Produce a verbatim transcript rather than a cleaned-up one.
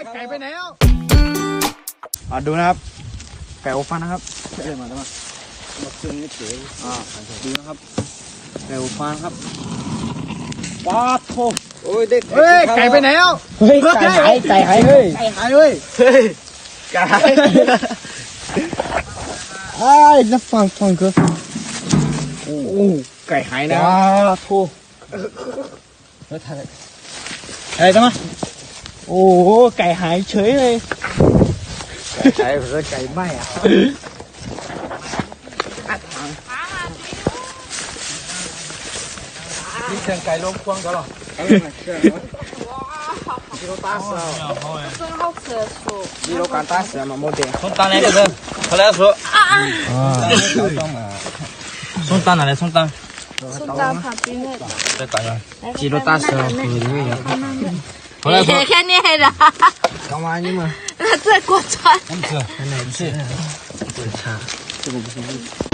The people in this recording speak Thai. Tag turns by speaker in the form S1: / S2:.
S1: ไก่ไปไหนแล้วอ่ะดูนะครับไก่อบฟางนะครับเดินมาแล้วมาซึ่งนี่เจ๋ออ่าดูนะครับไก่อบฟางครับว้าโถโอ้ยเด็กเฮ้ยไก่ไปไหนแล้วเฮ้ยไก่หายไก่หายเฮ้ยไก่หายเฮ้ยเฮ้ยไก่หายไอ้จะฟังฟังก็โอ้ไก่หายนะว้าโถแล้วทำอะไรอะไรกันมาโอ้โหไก่หายเฉยเลยไก่เพื่อไก่ไหม้อ่ะนี่เชียงไก่ล้มควงกันหรอกิโลตาเสือกิโลการตาเสือมาโมเดลส้มตาไหนกันเถอะเขาแล้วสุส้มตาไหนส้มตา
S2: ส้มตำผัดปีเห็ด
S1: ได้ต่างกันกิโลตาเสือคือนี่ไง
S2: แค่นี้เหรอ
S1: 干嘛你们？
S2: 那这锅穿。
S1: 不是，奶不是，不是茶，这个不是。